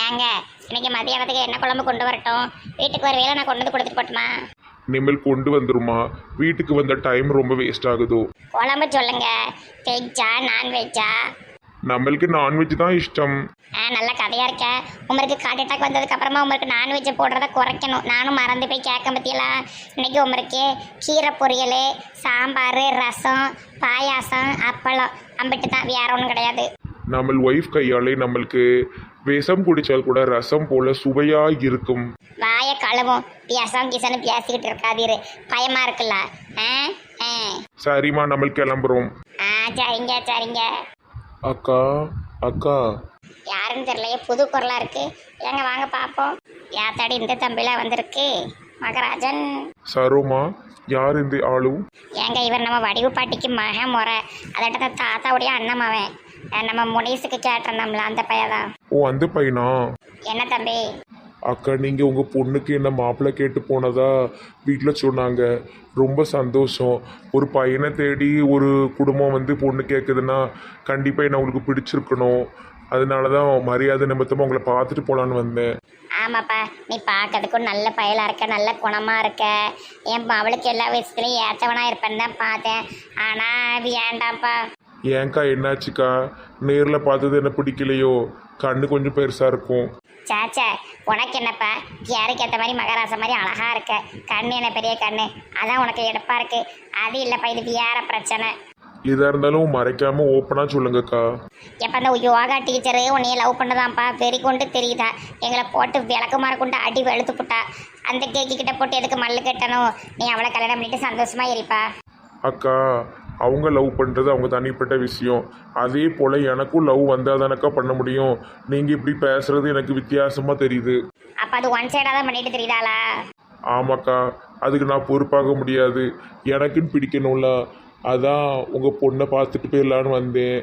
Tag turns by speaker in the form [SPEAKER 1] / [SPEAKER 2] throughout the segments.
[SPEAKER 1] ஏங்க இன்னைக்கு மதியானத்துக்கு என்ன குழம்பு கொண்டு வரட்டும்? வீட்டுக்கு வருவேல நான் கொண்டு வந்து கொடுத்துட்டு போட்டுமா?
[SPEAKER 2] இனிமேல் கொண்டு வந்துருமா? வீட்டுக்கு வந்த டைம் ரொம்ப வேஸ்ட் ஆகுதோ.
[SPEAKER 1] குழம்பு சொல்லுங்க. வெஜ்ஜா நான்வெஜ்ஜா?
[SPEAKER 2] நம்மளுக்கு நான்வெஜ் தான் இஷ்டம்.
[SPEAKER 1] நல்ல கதையா இருக்க. உங்களுக்கு ஹார்ட் அட்டாக் வந்ததுக்கு அப்புறமா உங்களுக்கு நான்வெஜ்ஜை போடுறத குறைக்கணும். நானும் மறந்து போய் கேட்க பற்றியெல்லாம். இன்னைக்கு உங்களுக்கு கீரை பொரியல், சாம்பார், ரசம், பாயாசம், அப்பளம் அம்பிட்டு தான், வேற ஒன்றும் கிடையாது.
[SPEAKER 2] நம்ம ஒய்ஃப் கையாலே நம்மளுக்கு விஷம் குடிச்சால் கூட ரசம் போல சுவையா இருக்கும்.
[SPEAKER 1] வாய கழுவும் பியாசம் கிசன்னு பேசிக்கிட்டு இருக்காதீரு, பயமா இருக்குல்ல. ஆ ஆ
[SPEAKER 2] சரிம்மா, நம்ம கிளம்புறோம்.
[SPEAKER 1] சரிங்க சரிங்க.
[SPEAKER 2] அக்கா அக்கா.
[SPEAKER 1] யாருன்னு தெரியலையே, புது குரலா இருக்கு. ஏங்க வாங்க பார்ப்போம். யாத்தாடி இந்த தம்பிலாம் வந்திருக்கு. மகராஜன்.
[SPEAKER 2] சரோமா, யார் இந்த ஆளு?
[SPEAKER 1] ஏங்க இவர் நம்ம வடிவு பாட்டிக்கு மக முறை. அதட்ட தாத்தாவுடைய அண்ணமாவன். நம்ம முனீஸுக்கு கேட்டிருந்தோம்ல அந்த பையதான்.
[SPEAKER 2] ஓ, அந்த பையனா?
[SPEAKER 1] என்ன தம்பி?
[SPEAKER 2] அக்கா, நீங்கள் உங்கள் பொண்ணுக்கு என்ன மாப்பிள்ளை கேட்டு போனதா வீட்டில் சொன்னாங்க. ரொம்ப சந்தோஷம். ஒரு பையனை தேடி ஒரு குடும்பம் வந்து பொண்ணு கேட்குதுன்னா கண்டிப்பாக என்ன உங்களுக்கு பிடிச்சிருக்கணும். அதனால தான் மரியாதை நிமித்தமாக உங்களை பார்த்துட்டு போகலான்னு வந்தேன்.
[SPEAKER 1] ஆமாப்பா, நீ பார்க்கறதுக்கும் நல்ல பயலாக இருக்க, நல்ல குணமாக இருக்க. என் அவளுக்கு எல்லா விஷயத்துலையும் ஏற்றவனாக இருப்பேன்னு தான் பார்த்தேன். ஆனால் வேண்டாம்ப்பா.
[SPEAKER 2] ஏன்க்கா, என்னாச்சுக்கா? நேரில் பார்த்தது என்ன பிடிக்கலையோ? கண்ணு கொஞ்சம் பெருசாக இருக்கும்.
[SPEAKER 1] சாச்சா, உனக்கு என்னப்பா, யாருக்கு ஏற்ற மாதிரி மகராச மாதிரி அழகா இருக்க. கண்ணு என்ன பெரிய கண்ணு, அதான் உனக்கு எடுப்பா இருக்கு. அது இல்லைப்பா, இது வேற பிரச்சனை.
[SPEAKER 2] எதாக இருந்தாலும் மறைக்காமல் ஓப்பனாக சொல்லுங்கக்கா.
[SPEAKER 1] எப்போ அந்த யோகா டீச்சரு உன்னைய லவ் பண்ணதான்ப்பா வெறி கொண்டு தெரியுதா? எங்களை போட்டு விளக்குமாற கொண்டு அடி வெளுத்து போட்டா. அந்த கேக்கு கிட்ட போட்டு எதுக்கு மல்லு கட்டணும்? நீ அவளை கல்யாணம் பண்ணிட்டு சந்தோஷமா இருப்பா.
[SPEAKER 2] அக்கா, அவங்க லவ் பண்ணுறது அவங்க தனிப்பட்ட விஷயம். அதே போல் எனக்கும் லவ் வந்தால் தானக்கா பண்ண முடியும். நீங்கள் இப்படி பேசுகிறது எனக்கு வித்தியாசமாக தெரியுது.
[SPEAKER 1] அப்போ அது ஒன் சைடாக தான் பண்ணிட்டு தெரியுதாளா?
[SPEAKER 2] ஆமாக்கா, அதுக்கு நான் பொறுப்பாக முடியாது. எனக்குன்னு பிடிக்கணும்ல, அதான் உங்கள் பொண்ணை பார்த்துட்டு போயிடலான்னு வந்தேன்.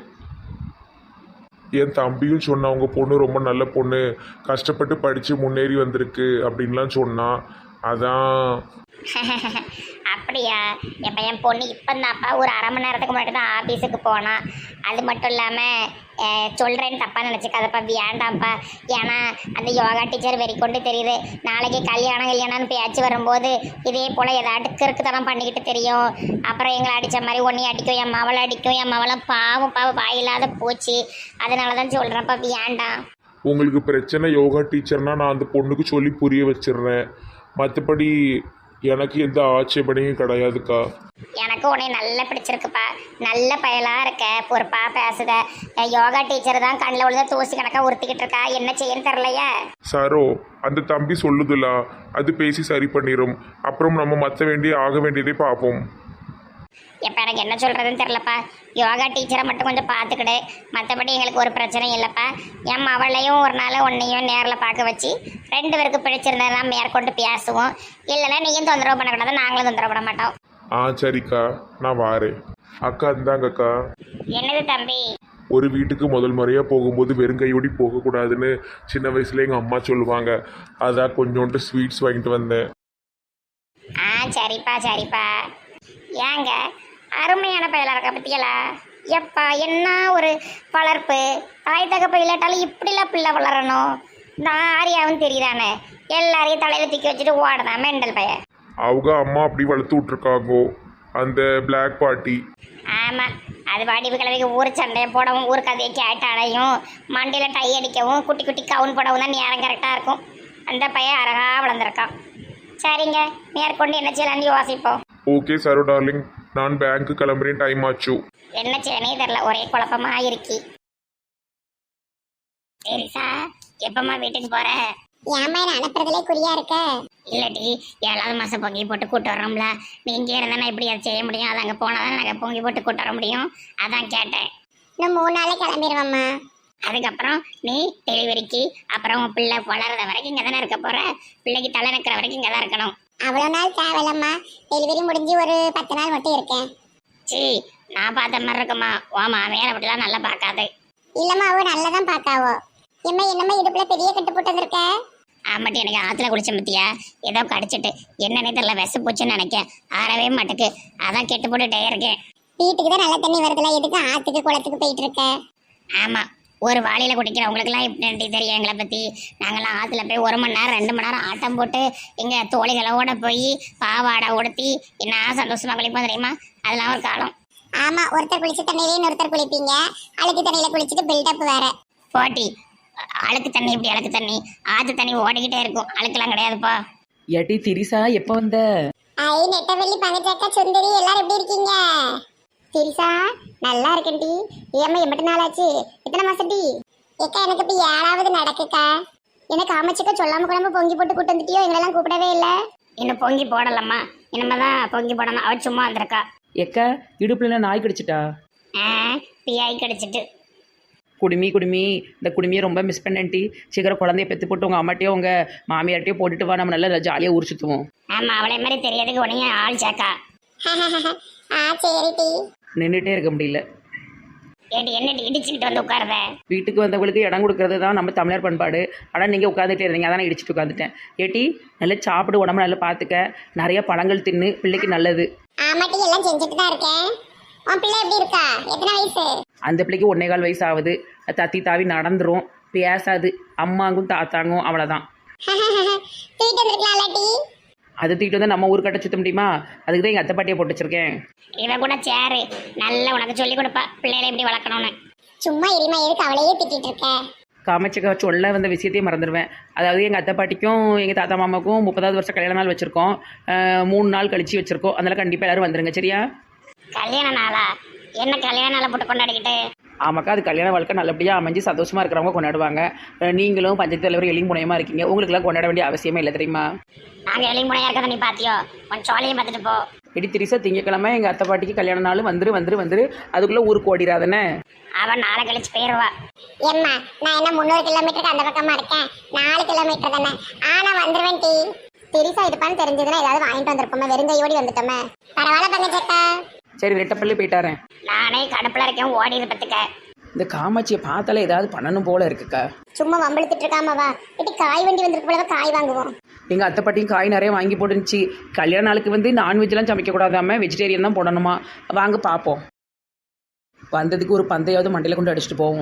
[SPEAKER 2] என் தம்பியும் சொன்னான் உங்கள் பொண்ணு ரொம்ப நல்ல பொண்ணு, கஷ்டப்பட்டு படித்து முன்னேறி வந்திருக்கு அப்படின்லாம் சொன்னான். அதான்.
[SPEAKER 1] அப்படியா? எப்போ என் பொண்ணு இப்போந்தாப்பா ஒரு அரை மணி நேரத்துக்கு முன்னாடி தான் ஆஃபீஸுக்கு போனான். அது மட்டும் இல்லாமல் சொல்கிறேன்னு தப்பாக நினச்சிக்காதப்பா, வேண்டாம்ப்பா. ஏன்னா அந்த யோகா டீச்சர் வெறி கொண்டு தெரியுது. நாளைக்கு கல்யாணம்னு பேச்சு வரும்போது இதே போல் ஏதாட்டு கிறுக்குத்தனம் பண்ணிக்கிட்டு தெரியும். அப்புறம் எங்களை அடித்த மாதிரி ஒன்றையும் அடிக்கும், என் மவளை அடிக்கும். என் மவளை பாவம் வாயில்லாத போச்சு. அதனால தான் சொல்கிறேன்ப்பா, வேண்டாம்.
[SPEAKER 2] உங்களுக்கு பிரச்சனை யோகா டீச்சர்னா நான் அந்த பொண்ணுக்கு சொல்லி புரிய வச்சிடுறேன். மற்றபடி எனக்கு எந்த ஆட்சேபனையும் கிடையாதுக்கா.
[SPEAKER 1] எனக்கு உன்னை நல்லா பிடிச்சிருக்குப்பா. நல்ல பயலாக இருக்க, பொறுப்பா பேசுத. யோகா டீச்சர் தான் கண்ணில் விழுந்த தூசி கணக்காக உறுத்திக்கிட்டு இருக்கா. என்ன செய்யன்னு தெரிலையா?
[SPEAKER 2] சரோ, அந்த தம்பி சொல்லுதுல, அது பேசி சரி பண்ணிடும். அப்புறம் நம்ம ஆக வேண்டியதை பார்ப்போம்.
[SPEAKER 1] எப்போ எனக்கு என்ன சொல்கிறதுன்னு தெரிலப்பா. யோகா டீச்சரை மட்டும் கொஞ்சம் பார்த்துக்கிடு. மற்றபடி எங்களுக்கு ஒரு பிரச்சனையும் இல்லைப்பா. என் அவளையும் ஒரு நாள் உன்னையும் நேரில் பார்க்க வச்சு 2 பேருக்கு பிடிச்சிருந்தா மேற்கொண்டு பேசுவோம். இல்லைன்னா நீயும் தொந்தரவு பண்ணக்கூடாது, நாங்களும் தொந்தரவு பண்ண மாட்டோம்.
[SPEAKER 2] சரிக்கா, நான் வாரேன். அக்கா, இந்தாங்கக்கா.
[SPEAKER 1] என்னது தம்பி?
[SPEAKER 2] ஒரு வீட்டுக்கு முதல் முறையாக போகும்போது வெறுங்கையோடி போகக்கூடாதுன்னு சின்ன வயசுல எங்கள் அம்மா சொல்லுவாங்க. அதான் கொஞ்சோண்டு ஸ்வீட்ஸ் வாங்கிட்டு வந்தேன்.
[SPEAKER 1] சரிப்பா சரிப்பா. ஏங்க அருமையான பயலாக இருக்க பற்றியலா? எப்பா என்ன ஒரு வளர்ப்பு. தாய் தகப்ப இல்லாட்டாலும் இப்படிலாம் பிள்ளை வளரணும். இந்த ஆரியாவும் தெரியுதானே, எல்லாரையும் தலையில் தூக்கி வச்சுட்டு ஓடதான் மெண்டல் பையன்.
[SPEAKER 2] அவங்க அம்மா அப்படி வளர்த்து விட்ருக்காங்கோ, அந்த பிளாக் பார்ட்டி.
[SPEAKER 1] ஆமாம், அது வடிவு கிழவிக்கு ஊர் சண்டையை போடவும், ஊர் கதையை கேட்டாலையும், மண்டியில் டை அடிக்கவும், குட்டி குட்டி கவுன் போடவும் தான் நேரம் கரெக்டாக இருக்கும். அந்த பையன் அழகாக வளர்ந்துருக்கான். சரிங்க, மேற்கொண்டு என்ன செய்யலான்னு யோசிப்போம்.
[SPEAKER 2] ஓகே சரோ டார்லிங், நான் பேங்க்கு கிளம்புறேன், டைம் ஆச்சு.
[SPEAKER 1] என்ன செய்யனே தெரில, ஒரே குழப்பமா இருக்கி. சரிசா, எப்பமா வீட்டுக்கு போற? ஏமா என்ன அனுப்புறதுலே குறியா இருக்க? இல்லடி, 7வது மாசம் பொங்கி போட்டு கூட்டு வரோம்ல, நீ இங்கே இருந்தா நான் எப்படி அதை செய்ய முடியும்? அது அங்கே போனாதான் நாங்கள் பொங்கி போட்டு கூட்டு வர முடியும். அதான் கேட்டேன். இன்னும் 3 நாளே கிளம்பிடுவோம்மா. அதுக்கப்புறம் நீ டெலிவரிக்கு அப்புறம் உன் பிள்ளை வளர்ற வரைக்கும் இங்கே தானே இருக்க போற. பிள்ளைக்கு தலை நிற்கிற வரைக்கும் இங்கே தான் இருக்கணும். அவ்வளோ நாள் தேவையில்லம்மா, டெலிவரி முடிஞ்சு ஒரு 10 நாள் மட்டும் இருக்கேன். நான் பார்த்த மாதிரி இருக்குமா? ஓமா வேற அப்படிலாம் நல்லா பார்க்காது. இல்லம்மா, அவ நல்லா தான் பார்க்காவோ. என்னம்மா இடுப்புல பெரிய கட்டு போட்டு வந்திருக்க? ஆமாட்டி, எனக்கு ஆற்றுல குளிச்ச பத்தியா ஏதோ கடிச்சிட்டு என்னன்னே தெரியல, விச போச்சுன்னு நினைக்கேன். ஆறவே மாட்டுக்கு, அதான் கெட்டு போட்டுட்டே இருக்கேன். வீட்டுக்கு தான் நல்ல தண்ணி வருதுல, எதுக்கு ஆற்றுக்கு குளத்துக்கு போயிட்டு இருக்க? ஆமாம், ஒரு வாளியில குடிக்கிறவங்களுக்குலாம் இப்படி தெரியும் எங்களை பத்தி. நாங்களாம் ஆத்துல போய் 1 மணி நேரம் 2 மணி நேரம் ஆட்டம் போட்டு எங்க தோழிகளோட போய் பாவாடை உடுத்தி என்ன சந்தோஷமா குளிப்போம் தெரியுமா. அதெல்லாம் ஒரு காலம். ஆமா, ஒருத்தர் குளிச்ச தண்ணியிலே இன்னொருத்தர் குளிப்பீங்க. அழுக்கு தண்ணியில குளிச்சுட்டு பில்டப் வேற போட்டி. அழுக்கு தண்ணி இப்படி அழுக்கு தண்ணி, ஆத்து தண்ணி ஓடிக்கிட்டே இருக்கும், அழுக்கெல்லாம் கிடையாதுப்பா.
[SPEAKER 3] ஏட்டி திரிசா எப்போ வந்த?
[SPEAKER 1] ஐ நெட்டவெள்ளி பங்கச்சக்கா சுந்தரி எல்லாரும் எப்படி இருக்கீங்க? திரிசா நல்லா இருக்கேன் டி. ஏம்மா எம்பிட்டு நாள் ஆச்சு? எத்தனை மாசம் டி? ஏக்கா எனக்கு இப்போ 7வது நடக்குக்கா. எனக்கு அமைச்சுக்க சொல்லாம குழம்பு பொங்கி போட்டு கூட்டு வந்துட்டியோ? எங்களெல்லாம் கூப்பிடவே இல்லை. இன்னும் பொங்கி போடலம்மா, இனிமேதான் பொங்கி போடணும். அவ சும்மா வந்திருக்கா.
[SPEAKER 3] எக்கா இடுப்புல நாய் கடிச்சிட்டா?
[SPEAKER 1] பியாய் கடிச்சிட்டு.
[SPEAKER 3] குடுமி இந்த குடுமியை ரொம்ப மிஸ் பண்ணேன்ட்டி. சீக்கிரம் குழந்தைய பெற்று போட்டு உங்கள் அம்மாட்டையோ உங்கள் மாமியார்ட்டையோ போட்டுட்டு வா, நம்ம நல்லா ஜாலியாக ஊர் சுற்றுவோம்.
[SPEAKER 1] ஆமா, அவளை மாதிரி தெரியாதுக்கு உடனே ஆள் சேக்கா. சரி டி.
[SPEAKER 3] நின்றுட்டே இருக்க முடியல.
[SPEAKER 1] ஏடி என்ன இடிச்சுக்கிட்டு வந்து உட்காருத?
[SPEAKER 3] வீட்டுக்கு வந்தவங்களுக்கு இடம் கொடுக்கறது தான் நம்ம தமிழர் பண்பாடு. ஆனால் நீங்கள் உட்காந்துட்டே இருந்தீங்க, அதான் நான் இடிச்சிட்டு உட்காந்துட்டேன். ஏட்டி நல்லா சாப்பிடு, உடம்பு நல்லா பார்த்துக்க, நிறைய பழங்கள் தின்னு, பிள்ளைக்கு நல்லது.
[SPEAKER 1] ஆமாட்டி, எல்லாம் செஞ்சுட்டு தான் இருக்கேன். உன் பிள்ளை எப்படி இருக்கா? எத்தனை வயசு?
[SPEAKER 3] அந்த பிள்ளைக்கு 1.25 வயசு ஆகுது. தத்தி தாவி நடந்துரும், பேசாது. அம்மாங்கும் தாத்தாங்கும் அவ்வளோதான்.
[SPEAKER 1] தூக்கிட்டு வந்துருக்கலாம்ல டி.
[SPEAKER 3] அது தூக்கிட்டு வந்து நம்ம ஊர் கட்ட சுத்த முடியுமா? அதுக்கு தான் எங்கள் அத்தை பாட்டியை போட்டு வச்சிருக்கேன்.
[SPEAKER 1] இவன் கூட சேரு நல்லா உனக்கு சொல்லி கொடுப்பா பிள்ளைகளை எப்படி வளர்க்கணும்னு. சும்மா எரிமா எதுக்கு அவளையே திட்டிட்டு இருக்க?
[SPEAKER 3] காமச்சிக்க சொல்ல வந்த விஷயத்தையும் மறந்துடுவேன். அதாவது எங்கள் அத்தை பாட்டிக்கும் எங்கள் தாத்தா மாமாவுக்கும் 30வது வருஷம் கல்யாண நாள் வச்சுருக்கோம். 3 நாள் கழிச்சு வச்சுருக்கோம். அதனால் கண்டிப்பாக எல்லோரும் வந்துடுங்க, சரியா?
[SPEAKER 1] கல்யாண நாளா? என்ன கல்யாண நாளை போட்டு கொண்டாடிக்கிட்டு?
[SPEAKER 3] ஆமாக்கா, அது கல்யாண வாழ்க்கை நல்லபடியாக அமைஞ்சு சந்தோஷமாக இருக்கிறவங்க கொண்டாடுவாங்க. நீங்களும் பஞ்சாயத்து தலைவர் எளிமுனையமாக இருக்கீங்க, உங்களுக்குலாம் கொண்டாட வேண்டிய அவசியமே இல்லை தெரியுமா?
[SPEAKER 1] நாங்கள் எளிமுனையாக இருக்கதை நீ பார்த்தியோ? உன் சோழையும் பார்த்துட்டு போ.
[SPEAKER 3] இடி திரிசா திங்கக்கிழமை எங்கள் அத்தை பாட்டிக்கு கல்யாண நாள் வந்துரு அதுக்குள்ளே ஊருக்கு ஓடிடாதானே.
[SPEAKER 1] அவன் நாளை கழிச்சு போயிடுவா. ஏம்மா நான் என்ன 300 கிலோமீட்டருக்கு அந்த பக்கமா இருக்கேன், 4 கிலோமீட்டர் தானே. ஆனா வந்துருவேன் டி. திரிசா இருப்பான்னு தெரிஞ்சதுன்னா ஏதாவது வாங்கிட்டு வந்திருப்போமே, வெறுங்கையோடி வந்துட்டோமே. பரவாயில்ல பங்கச்சக்கா.
[SPEAKER 3] சரி, ரெட்டப்பள்ளி போயிட்டாரேன்.
[SPEAKER 1] நானே கடுப்புல இருக்கேன், ஓடிது பத்துக்க.
[SPEAKER 3] இந்த காமாட்சியை பார்த்தாலே ஏதாவது பண்ணணும் போல இருக்குக்கா.
[SPEAKER 1] சும்மா வம்பிழுத்துட்டு இருக்காமவா? இட்டி காய் வண்டி வந்திருக்கு போலவா, காய் வாங்குவோம்.
[SPEAKER 3] எங்கள் அத்தை பாட்டியும் காய் நிறைய வாங்கி போட்டுருந்துச்சு. கல்யாண நாளுக்கு வந்து நான்வெஜ்லாம் சமைக்கக்கூடாதாம, வெஜிடேரியன் தான் போடணுமா. வாங்க பார்ப்போம். வந்ததுக்கு ஒரு பந்தையாவது மண்டையில் கொண்டு அடிச்சுட்டு போவோம்.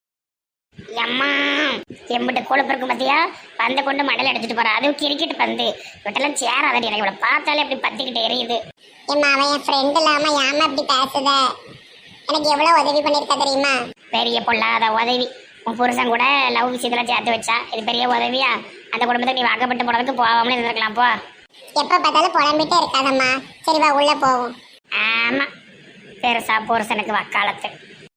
[SPEAKER 1] அம்மா எம்பிட்டு கொழுப்பு இருக்கும் பார்த்தியா? பந்தை கொண்டு மடல அடிச்சுட்டு போறா. அதுவும் கிரிக்கெட் பந்து விட்டெல்லாம் சேராதடி. எனக்கு இவ்வளோ பார்த்தாலே அப்படி பத்திக்கிட்டு எரியுது. ஏம்மா அவன் என் ஃப்ரெண்ட் இல்லாம ஏமா அப்படி பேசுத? எனக்கு எவ்வளோ உதவி பண்ணியிருக்கா தெரியுமா? பெரிய பொல்லாத உதவி. உன் புருஷன் கூட லவ் விஷயத்தில் சேர்த்து வச்சா, இது பெரிய உதவியா? அந்த குடும்பத்தை நீ வாக்கப்பட்டு போனதுக்கு போகாமலே இருந்திருக்கலாம் போ. எப்போ பார்த்தாலும் புலம்பிட்டே இருக்காதம்மா. சரி வா உள்ள போவோம். ஆமா, பெருசா புருஷனுக்கு வக்காலத்து.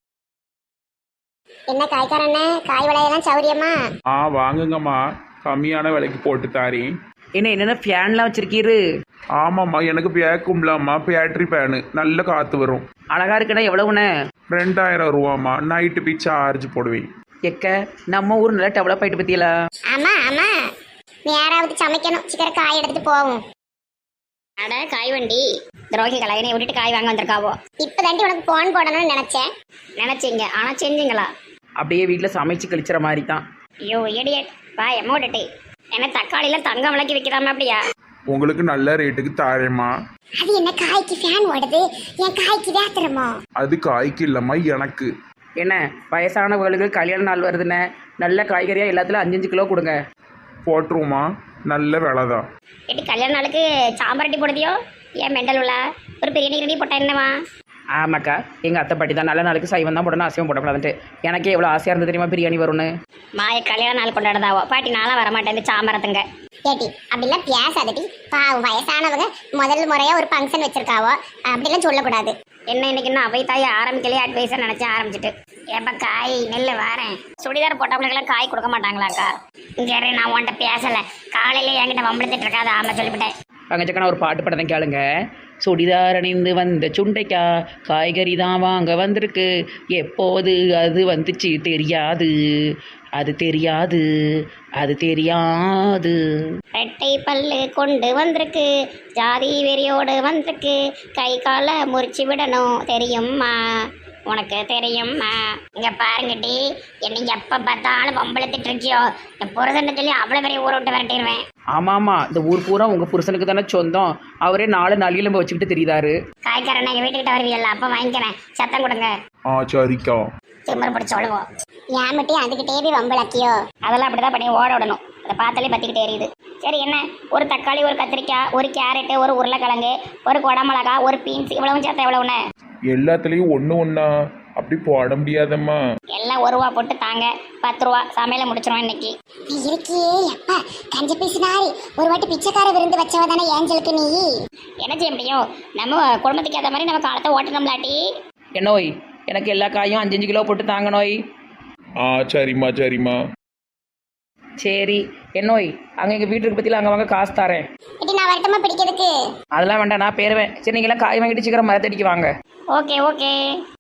[SPEAKER 1] என்ன காய்காரண்ணே, காய் விலையெல்லாம் சௌரியமா?
[SPEAKER 2] வாங்குங்கம்மா, கம்மியான விலைக்கு போட்டு தாரேன்.
[SPEAKER 3] என்னென்ன ஃபேன்லாம் வச்சிருக்கீரு?
[SPEAKER 2] ஆமாம்மா, எனக்கு பேக்கும்லாம்மா, பேட்ரி பேனு, நல்ல காற்று வரும்.
[SPEAKER 3] அழகா இருக்குண்ணே. எவ்வளவுண்ணே?
[SPEAKER 2] 2000 ரூபாம்மா. நைட்டு போய் சார்ஜ் போடுவேன்.
[SPEAKER 3] எக்க நம்ம ஊர் நல்லா டெவலப் ஆகிட்டு பற்றியலா?
[SPEAKER 1] ஆமா ஆமா, யாராவது சமைக்கணும், சீக்கிரம் காய் எடுத்துட்டு போவோம். அட காய் வண்டி துரோகி கலையனை விட்டுட்டு காய் வாங்க வந்திருக்காவோ? இப்பதாண்டி உனக்கு போன் போடணும்னு நினைச்சீங்க, ஆனா செஞ்சீங்களா?
[SPEAKER 3] அப்படியே வீட்டில் சமைச்சு கழிச்சுற மாதிரி தான்.
[SPEAKER 1] ஐயோ இடியட், வா எமோடட்டி. என்ன தக்காளியில தங்கம் விளக்கி வைக்கிறாம அப்படியா?
[SPEAKER 2] உங்களுக்கு நல்ல ரேட்டுக்கு தாரேம்மா.
[SPEAKER 1] அது என்ன காய்க்கு ஃபேன் ஓடுது, என் காய்க்கு வேத்துறமோ?
[SPEAKER 2] அது காய்க்கு இல்லம்மா, எனக்கு.
[SPEAKER 3] என்ன வயசானவர்களுக்கு கல்யாண நாள் வருதுண்ணே, நல்ல காய்கறியாக எல்லாத்துலையும் 5-5 கிலோ கொடுங்க.
[SPEAKER 2] போட்டுருவோம்மா, நல்ல விலை தான்.
[SPEAKER 1] எட்டி கல்யாண நாளுக்கு சாம்பார் அட்டி போடுதியோ? ஏன் மெண்டல் உள்ள ஒரு பிரியாணி ரெடி போட்டா என்னவா?
[SPEAKER 3] ஆமாக்கா, எங்கள் அத்தை பாட்டி தான் நல்ல நாளுக்கு சைவம் தான் போடணும், அசைவம் போடக்கூடாதுன்ட்டு. எனக்கே எவ்வளோ ஆசையாக இருந்தது தெரியுமா பிரியாணி வரும்னு.
[SPEAKER 1] மாய கல்யாண நாள் கொண்டாடுதாவோ பாட்டி, நாளாக வரமாட்டேன் இந்த சாம்பாரத்துங்க. ஏட்டி அப்படிலாம் பேசாதட்டி, பாவம் வயசானவங்க முதல் முறையா ஒரு ஃபங்க்ஷன் வச்சிருக்காவோ, அப்படிலாம் சொல்லக்கூடாது. என்ன இன்னைக்கு இன்னும் அவை தாய் ஆரம்பிக்கலையே, அட்வைஸாக நினச்சேன் ஆரம்பிச்சிட்டு. ஏப்பா காய் நெல் வாரேன். சுடிதார் போட்டவங்களுக்கெல்லாம் காய் கொடுக்க மாட்டாங்களாக்கா? இங்கே நான் உன்ட்ட பேசலை, காலையிலே என்கிட்ட வம்பளத்துட்டு இருக்காது. ஆமாம் சொல்லிவிட்டேன்.
[SPEAKER 3] பங்கச்சக்கா நான் ஒரு பாட்டு படத்தை கேளுங்க. சுடிதார் அணிந்து வந்த சுண்டைக்கா காய்கறி தான் வாங்க வந்திருக்கு, எப்போது அது வந்துச்சு தெரியாது, அது தெரியாது, அது தெரியாது.
[SPEAKER 1] ரெட்டை பல்லு கொண்டு வந்திருக்கு, ஜாதி வெறியோடு வந்திருக்கு, கை காலை முறிச்சு விடணும் தெரியுமா, உனக்கு தெரியுமா? இங்க பாருங்கட்டி, என்னை எப்ப பார்த்தாலும் வம்பளத்துட்டு இருக்கியோ, என் புருஷன் சொல்லி அவ்வளவு பெரிய ஊரை விட்டு விரட்டிடுவேன்.
[SPEAKER 3] ஆமாம்மா, இந்த ஊர் பூரா உங்கள் புருஷனுக்கு தானே சொந்தம். அவரே 4 நளியெலும்பு வச்சுக்கிட்டு தெரியுதாரு.
[SPEAKER 1] காய்கறனை எங்கள் வீட்டுக்கிட்ட வருவீல்ல, அப்போ வாங்கிக்கிறேன். சத்தம் கொடுங்க.
[SPEAKER 2] ஆ சரிக்கா.
[SPEAKER 1] திமிரு பிடிச்சி சொல்லுவோம். ஏன் மட்டும் அதுக்கிட்டே போய் வம்பளக்கியோ? அதெல்லாம் அப்படிதான் பண்ணி ஓட விடணும். அதை பார்த்தாலே பற்றிக்கிட்டே எரியுது. சரி, என்ன ஒரு தக்காளி, ஒரு கத்திரிக்காய், ஒரு கேரட்டு, ஒரு உருளைக்கிழங்கு, ஒரு குடமிளகா, ஒரு பீன்ஸ், இவ்வளவும் சேர்த்தா எவ்வளவுண்ணே?
[SPEAKER 2] எல்லாத்துலேயும் ஒன்று ஒன்றா அப்படி போட முடியாதம்மா.
[SPEAKER 1] எல்லாம் 1 ரூபா போட்டு தாங்க. 10 ரூபா சமையலை முடிச்சிருவோம் இன்னைக்கு.
[SPEAKER 4] இருக்கே அப்பா, கஞ்ச பேசினாரு. ஒரு வாட்டி பிச்சைக்கார விருந்து வச்சவ தானே ஏஞ்சலுக்கு நீ.
[SPEAKER 1] என்ன செய்ய முடியும்? நம்ம குடும்பத்துக்கு ஏற்ற மாதிரி நம்ம காலத்தை ஓட்டணும்லாட்டி.
[SPEAKER 3] என்னோய், எனக்கு எல்லா காயும் 5-5 கிலோ போட்டு தாங்க நோய்.
[SPEAKER 2] ஆ சரிம்மா சரிம்மா.
[SPEAKER 3] சரி என்னோய், அங்கே எங்கள் வீட்டுக்கு பற்றியில் அங்கே வாங்க காசு தரேன்.
[SPEAKER 4] இட்டி நான் வரட்டமா பிடிக்கிறதுக்கு?
[SPEAKER 3] அதெல்லாம் வேண்டாம், நான் பேருவேன். சரி, நீங்களாம் காய் வாங்கிட்டு சீக்கிரம் மரத்தடிக்கு வாங்க.
[SPEAKER 1] Okay okay.